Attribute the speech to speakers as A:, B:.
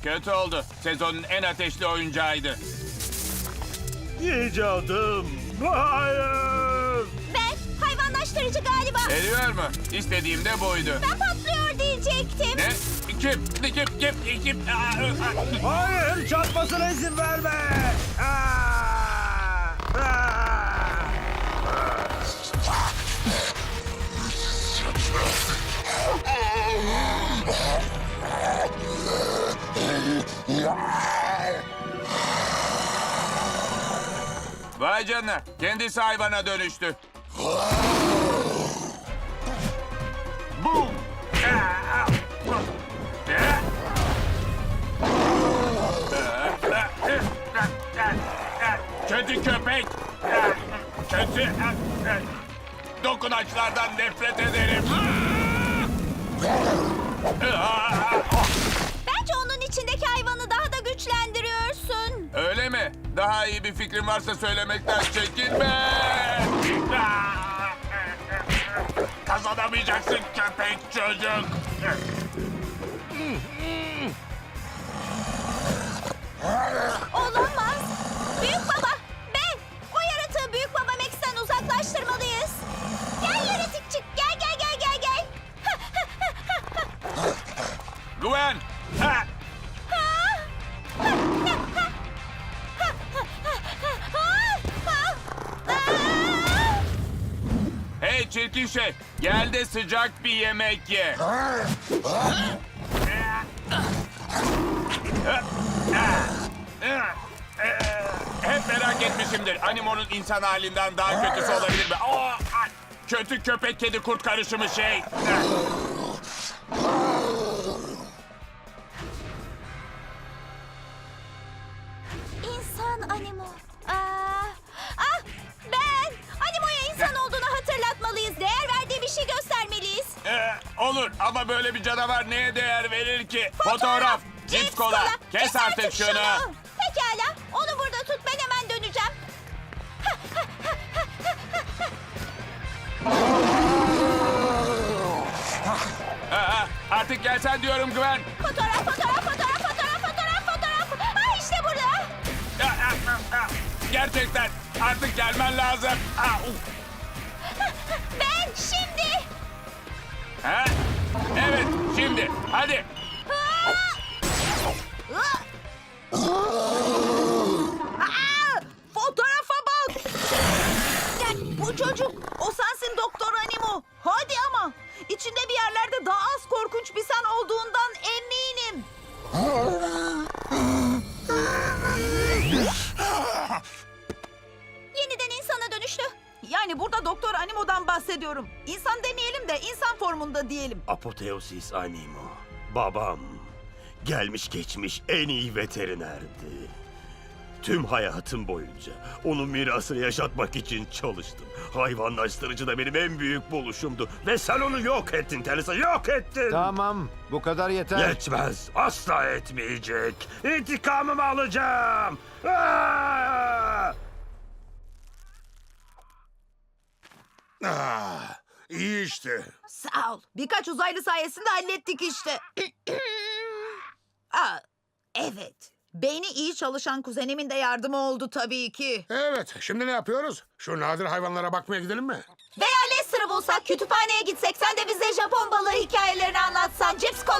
A: Kötü oldu. Sezonun en ateşli oyuncağıydı.
B: İcadım. Hayır.
C: Ben hayvanlaştırıcı galiba.
A: Eriyor mu? İstediğim de buydu.
C: Ben patlıyor diyecektim.
A: Ne? Kim?
B: Hayır, çarpmasına izin verme. Aa! Aa!
A: Vay canına. Kendisi hayvana dönüştü. Boom! Kötü köpek. Kötü. Dokunaçlardan nefret ederim.
C: Bence onun içindeki hayvanı daha da güçlendiriyorsun.
A: Öyle mi? Daha iyi bir fikrin varsa söylemekten çekinme. Kazanamayacaksın köpek çocuk.
C: Olamaz. Büyük baba, ben. O yaratığı büyük baba Max'ten uzaklaştırmalıyız. Gel yaratıkçık, gel.
A: Gwen! Ha! Hey çirkin şey, gel de sıcak bir yemek ye. Hep merak etmişimdir. Animo'nun insan halinden daha kötüsü olabilir mi? Kötü köpek kedi kurt karışımı şey.
C: İnsan Animo. Ben. Animo'ya insan olduğunu hatırlatmalıyız. Değer verdiği bir şey göstermeliyiz.
A: Olur ama böyle bir canavar neye değer verir ki? Fotoğraf, cips kola. Kes artık şunu.
C: Pekala. Onu burada tut. Ben hemen döneceğim.
A: Artık gelsen diyorum Gwen.
C: Fotoğraf. İşte burada.
A: Gerçekten artık gelmen lazım.
C: Ben şimdi.
A: Ha? Evet, şimdi. Hadi.
C: Fotoğrafa bak. Bu çocuk. O sensin Doktor Animo. Hadi ama. İçinde bir yerlerde daha az korkunç bir sen olduğundan eminim. Yeniden insana dönüştü.
D: Yani burada Doktor Animo'dan bahsediyorum. İnsan demeyelim de insan formunda diyelim.
B: Apoteosis Animo. Babam. Gelmiş geçmiş en iyi veterinerdi. Tüm hayatım boyunca onun mirasını yaşatmak için çalıştım. Hayvanlaştırıcı da benim en büyük buluşumdu. Ve sen onu yok ettin Teresa, yok ettin.
E: Tamam, bu kadar yeter.
B: Yetmez, asla etmeyecek. İntikamımı alacağım. Aa!
F: İyi işte.
D: Sağ ol. Birkaç uzaylı sayesinde hallettik işte. Evet. Beyni iyi çalışan kuzenimin de yardımı oldu tabii ki.
F: Evet, şimdi ne yapıyoruz? Şu nadir hayvanlara bakmaya gidelim mi?
C: Veya Lester'ı bulsak, kütüphaneye gitsek, sen de bize Japon balığı hikayelerini anlatsan, cips